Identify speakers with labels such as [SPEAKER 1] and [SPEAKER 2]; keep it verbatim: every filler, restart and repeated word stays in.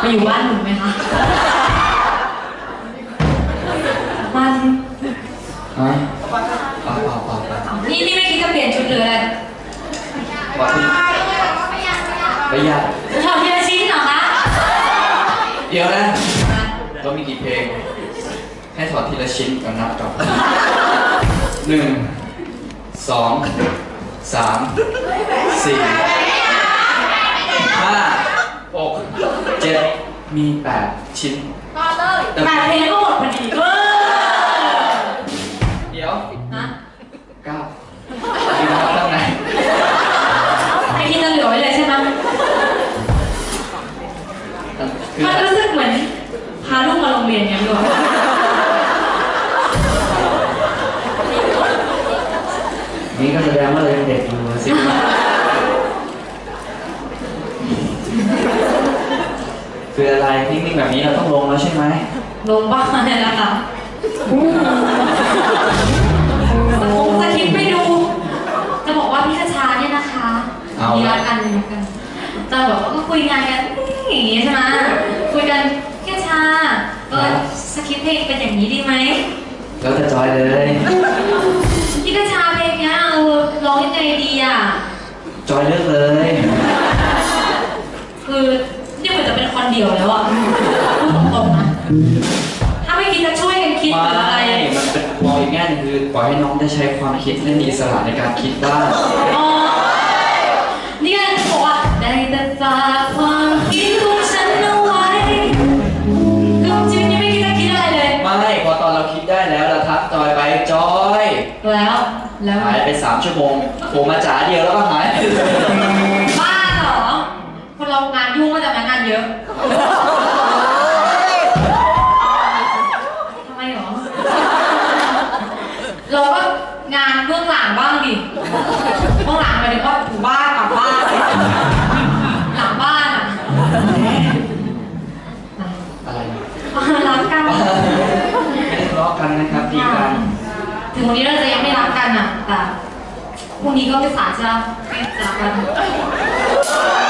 [SPEAKER 1] อยู่บ้านหนูไหมคะมา
[SPEAKER 2] ฮะเปล่าเปล่าเปล่าเปล่า
[SPEAKER 1] นี่นี่ไม่คิดจะเปลี่ยนชุดเลยเลย
[SPEAKER 2] ว่าพี่ประหยัด
[SPEAKER 1] ถอดทีละชิ้นเหรอคะ
[SPEAKER 2] เดี๋ยวนะเรามีกี่เพลงให้ถอดทีละชิ้นกันนับก่อนหนึ่งสองสามสี่ห้าหกเจ็ดมีแปดชิ้น
[SPEAKER 1] ต่อเลยแปดเพลงก็หมดพอดีเว้ย
[SPEAKER 2] เดี๋ยว
[SPEAKER 1] นะ
[SPEAKER 2] เก้ามีนับตั้งไหน
[SPEAKER 1] ไอ้ที่จะเหลือไว้เลยใช่ไหมมันรู้สึกเหมือนพาลูกมาโรงเรียนอย่างนี้หรอ
[SPEAKER 2] นี่ก็แสดงว่าเรายังเด็กอยู่สิคืออะไรนิ่งๆแบบนี้เราต้องลงแล้วใช่ไหม
[SPEAKER 1] ลงบ้างเลยนะคะคงจะคิดไม่ดูจะบอกว่าพี่คชาเนี่ยนะคะมีรักกันมีรักกันจะบอกว่าก็คุยงานกันอย่างนี้ใช่ไหมคุยกันพี่คชาเออสคริปต์เพลงเป็นอย่างนี้ดีไหม
[SPEAKER 2] แล้วจะจอยเลย
[SPEAKER 1] พี่คชาเพลงเนี้ยเออร้องยังไงดีอ่ะ
[SPEAKER 2] จอยเลือกเลย
[SPEAKER 1] คือนี่เหมือนจะเป็นคนเดียวแล้วอ่ะพูดตรงๆนะถ้าไม่คิดจะช่วยกันคิดหรืออะไร
[SPEAKER 2] มันเป็นมองอีกแง่นึงคือปล่อยให้น้องได้ใช้ความคิดและมีอิสระในการคิดบ้าง
[SPEAKER 1] อ๋อนี่ไงบอกว่าได้แต่ฝากความคิดของฉันเอาไว้คือจริงๆนี่ไม่คิดจะคิดอะไรเลย
[SPEAKER 2] ไม่พอตอนเราคิดได้แล้วเราทักจอยไปจอย
[SPEAKER 1] แล้วแล้ว
[SPEAKER 2] หายไปสามชั่วโมงโผล่มาจ๋าเดียวแล้วก็หาย
[SPEAKER 1] บ้าเหรอคนเรางานยุ่งก็จะงานเยอะทำไมหรอเราก็งานเบื้องหลังบ้างดิเบื้องหลังหมายถึงว่าอยู่บ้านกลับบ้านหลังบ้านอะ
[SPEAKER 2] อะไร
[SPEAKER 1] รักกัน
[SPEAKER 2] ไม่ได้ทะเลาะกันนะครับดีกัน
[SPEAKER 1] ถึงวันนี้เราจะยังไม่รักกันอ่ะแต่พรุ่งนี้ก็ไม่สายจะไม่รักกัน